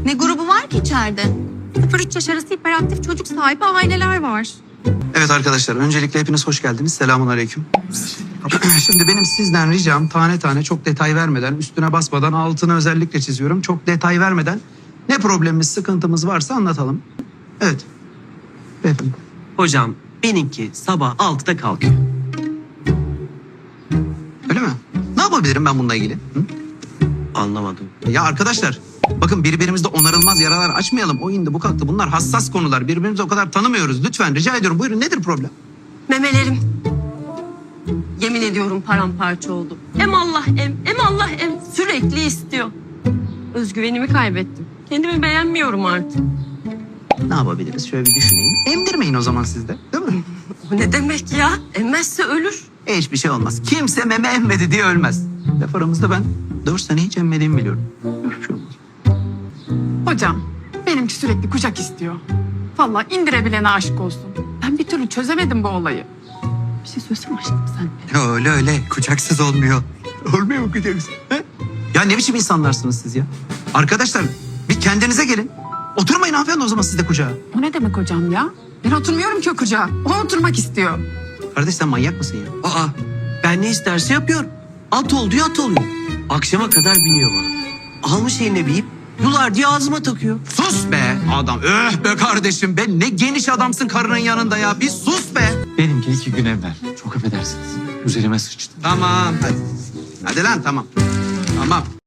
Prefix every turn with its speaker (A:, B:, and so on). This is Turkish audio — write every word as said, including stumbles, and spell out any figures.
A: Ne grubu var ki içeride?
B: sıfır üç yaş arası hiperaktif çocuk sahibi aileler var.
C: Evet arkadaşlar, öncelikle hepiniz hoş geldiniz. Selamun aleyküm. Şimdi benim sizden ricam tane tane çok detay vermeden, üstüne basmadan, altını özellikle çiziyorum. Çok detay vermeden ne problemimiz, sıkıntımız varsa anlatalım. Evet. Beyefendi.
D: Hocam benimki sabah altıda kalkıyor.
C: Öyle mi? Ne yapabilirim ben bununla ilgili? Hı?
D: Anlamadım.
C: Ya arkadaşlar, bakın birbirimizde onarılmaz yaralar açmayalım. O indi, bu kalktı. Bunlar hassas konular. Birbirimizi o kadar tanımıyoruz. Lütfen rica ediyorum. Buyurun, nedir problem?
B: Memelerim. Yemin ediyorum paramparça oldu. Em Allah em, em Allah em. Sürekli istiyor. Özgüvenimi kaybettim. Kendimi beğenmiyorum artık.
C: Ne yapabiliriz? Şöyle bir düşüneyim. Emdirmeyin o zaman siz de. Değil mi?
B: O ne demek ya? Emmezse ölür.
C: E, hiçbir şey olmaz. Kimse meme emmedi diye ölmez. Laf aramızda ben dört sene hiç emmediğimi biliyorum. Hiçbir şey olmaz.
E: Hocam, benimki sürekli kucak istiyor. Vallahi indirebilene aşık olsun. Ben bir türlü çözemedim bu olayı. Bir şey söylesene aşkım sen.
C: Ya öyle öyle. Kucaksız olmuyor. Olmuyor mu kucaksız? He? Ya ne biçim insanlarsınız siz ya? Arkadaşlar bir kendinize gelin. Oturmayın hanımefendi o zaman siz de kucağa.
E: O ne demek hocam ya? Ben oturmuyorum ki o kucağa. O oturmak istiyor.
C: Kardeş sen manyak mısın ya?
D: Aa, ben ne isterse yapıyorum. At ol diyor, at oluyor. Akşama kadar biniyor bana. Almış eline bir ip, yular diye ağzıma takıyor.
C: Sus be adam. Öh be kardeşim be. Ne geniş adamsın karının yanında ya. Bir sus be.
F: Benimki iki gün evvel. Çok affedersiniz. Üzerime sıçtı.
C: Tamam hadi. Hadi lan tamam. Tamam.